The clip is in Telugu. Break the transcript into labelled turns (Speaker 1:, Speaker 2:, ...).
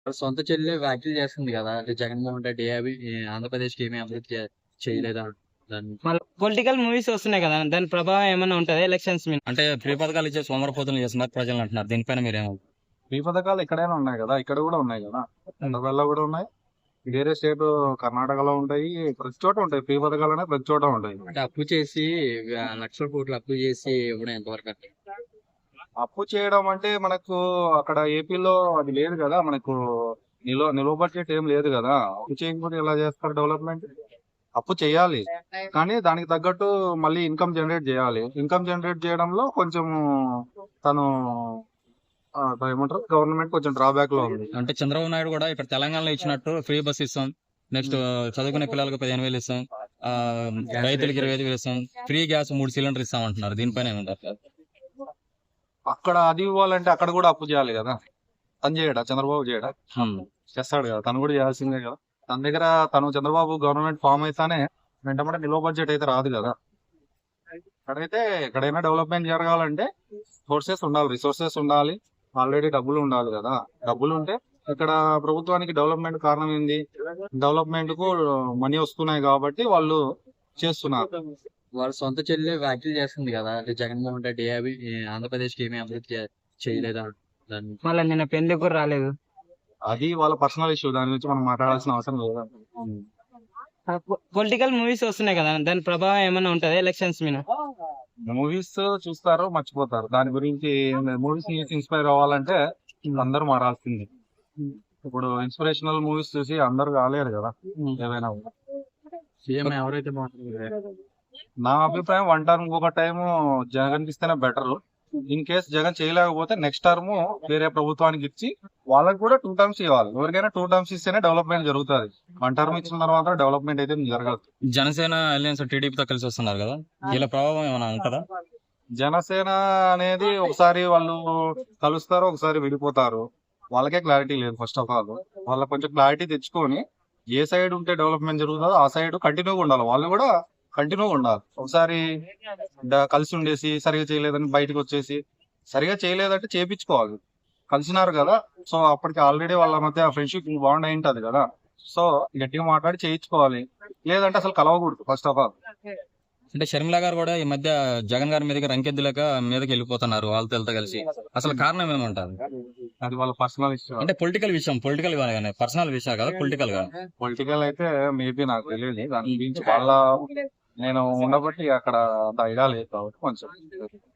Speaker 1: వాళ్ళ సొంత చెల్లె వ్యాఖ్యలు చేస్తుంది కదా! అంటే జగన్మోహన్ రెడ్డి అవి ఆంధ్రప్రదేశ్‌కి ఏమి అభివృద్ధి చేయలేదా దాన్ని?
Speaker 2: మళ్ళీ పొలిటికల్ మూవీస్ వస్తున్నాయి కదా! దాని ప్రభావం ఏమన్నా ఉంటదా ఎలక్షన్స్ మీద?
Speaker 3: అంటే ఫ్రీ పథకాలు ఇచ్చే సోమరిపోతులు చేస్తున్నారు ప్రజలు అంటున్నారు. దీనిపైన మీరేమో
Speaker 4: ఫ్రీ పథకాలు ఎక్కడైనా ఉన్నాయి కదా, ఇక్కడ కూడా ఉన్నాయి కదా, హైదరాబాద్లో కూడా ఉన్నాయి. వేరే స్టేట్ కర్ణాటకలో ఉంటాయి. ప్రతి చోట ఉంటాయి ఫ్రీ పథకాలు అనేవి, ప్రతి చోట ఉంటాయి.
Speaker 1: అంటే అప్పు చేసి లక్షల కోట్లు అప్పు చేసి ఇవ్వడం ఎంతవరకు కరెక్ట్?
Speaker 4: అప్పు చేయడం అంటే మనకు అక్కడ ఏపీలో అది లేదు కదా, మనకు నిలువ బడ్జెట్ ఏం లేదు కదా. అప్పు చేయకపోతే ఎలా చేస్తారు డెవలప్మెంట్? అప్పు చేయాలి, కానీ దానికి తగ్గట్టు మళ్ళీ ఇన్కమ్ జనరేట్ చేయాలి. ఇన్కమ్ జనరేట్ చేయడంలో కొంచెం తను ఏమంటారు, గవర్నమెంట్ కొంచెం డ్రాబ్యాక్ లో ఉంది.
Speaker 3: అంటే చంద్రబాబు నాయుడు కూడా ఇక్కడ తెలంగాణలో ఇచ్చినట్టు ఫ్రీ బస్ ఇస్తాం, నెక్స్ట్ చదువుకునే పిల్లలకు 15,000 ఇస్తాం, రైతులకు 25,000 ఇస్తాం, ఫ్రీ గ్యాస్ 3 సిలిండర్ ఇస్తాం అంటున్నారు. దీనిపైన ఏమంటారు?
Speaker 4: అక్కడ అది ఇవ్వాలంటే అక్కడ కూడా అప్పు చేయాలి కదా. తను చేయడా? చంద్రబాబు చేయడా? చేస్తాడు కదా, తను కూడా చేయాల్సిందే కదా. తన దగ్గర చంద్రబాబు గవర్నమెంట్ ఫామ్ అయితేనే వెంటనే నిల్వ బడ్జెట్ అయితే రాదు కదా. అక్కడైతే ఎక్కడైనా డెవలప్మెంట్ జరగాలంటే సోర్సెస్ ఉండాలి, రిసోర్సెస్ ఉండాలి, ఆల్రెడీ డబ్బులు ఉండాలి కదా. డబ్బులు ఉంటే ఇక్కడ ప్రభుత్వానికి డెవలప్మెంట్ కారణం ఏంది? డెవలప్మెంట్ కు మనీ వస్తున్నాయి కాబట్టి వాళ్ళు చేస్తున్నారు.
Speaker 1: వాళ్ళ సొంత చెల్లె వ్యాఖ్యలు చేస్తుంది కదా! అంటే జగన్మోహన్ రెడ్డి అవి ఆంధ్రప్రదేశ్‌కి ఏమి అభివృద్ధి చేయలేదా దాన్ని?
Speaker 2: మళ్ళీ నిన్న పెళ్లికి కూడా రాలేదు.
Speaker 4: అది వాళ్ళ పర్సనల్ ఇష్యూ, దాని గురించి మనం మాట్లాడాల్సిన అవసరం లేదు.
Speaker 2: పొలిటికల్ మూవీస్ వస్తున్నాయి కదా, దాని ప్రభావం ఏమన్నా ఉంటదా ఎలక్షన్స్ మీద?
Speaker 4: మూవీస్ చూస్తారు, మర్చిపోతారు. దాని గురించి మూవీస్ ఇన్స్పైర్ అవ్వాలంటే అందరూ మారాల్సింది. ఇప్పుడు ఇన్స్పిరేషనల్ మూవీస్ చూసి అందరూ కాలేరు కదా ఏవైనా.
Speaker 1: సీఎం ఎవరైతే బాగుంటుంది?
Speaker 4: నా అభిప్రాయం వన్ టర్మ్ ఇంకొక టైం జగన్ ఇస్తేనే బెటర్. ఇన్ కేస్ జగన్ చేయలేకపోతే నెక్స్ట్ టర్మ్ వేరే ప్రభుత్వానికి ఇచ్చి వాళ్ళకి కూడా 2 టర్మ్స్ ఇవ్వాలి. ఎవరికైనా 2 టర్మ్స్ ఇస్తేనే డెవలప్మెంట్ జరుగుతుంది. 1 టర్మ్ ఇచ్చిన తర్వాత డెవలప్మెంట్ అయితే జరగదు.
Speaker 3: జనసేన అలయన్స్ టీడీపీతో కలిసి వస్తున్నారు కదా, వీళ్ళ ప్రభావం ఏమైనా ఉంటుందా?
Speaker 4: జనసేన అనేది ఒకసారి వాళ్ళు కలుస్తారు, ఒకసారి విడిపోతారు. వాళ్ళకే క్లారిటీ లేదు. ఫస్ట్ ఆఫ్ ఆల్ వాళ్ళ కొంచెం క్లారిటీ తెచ్చుకొని ఏ సైడ్ ఉంటే డెవలప్మెంట్ జరుగుతుందో ఆ సైడ్ కంటిన్యూగా ఉండాలి. వాళ్ళు కూడా కంటిన్యూగా ఉండాలి. ఒకసారి కలిసి ఉండేసి సరిగా చేయలేదని బయటకు వచ్చేసి, సరిగా చేయలేదంటే చేపించుకోవాలి. కలిసినారు కదా, సో అప్పటికి ఆల్రెడీ వాళ్ళ మధ్య ఫ్రెండ్షిప్ బాండ్ అయి ఉంటది కదా. సో గట్టిగా మాట్లాడి చేయించుకోవాలి, లేదంటే అసలు కలవకూడదు ఫస్ట్ ఆఫ్ ఆల్.
Speaker 3: అంటే షర్మిల గారు కూడా ఈ మధ్య జగన్ గారి మీదకి రంకెద్దులేక మీదకి వెళ్ళిపోతున్నారు వాళ్ళతో కలిసి. అసలు కారణం ఏమంటారు?
Speaker 4: అది వాళ్ళ పర్సనల్ ఇష్యూ.
Speaker 3: అంటే పొలిటికల్ విషయం, పొలిటికల్ గానే, పర్సనల్ విషయం కదా, పొలిటికల్ గా.
Speaker 4: పొలిటికల్ అయితే మేబీ నాకు తెలియదు దాని గురించి. వాళ్ళ నేను ఉండబట్టి అక్కడ అంత ఐడియా లేదు కాబట్టి కొంచెం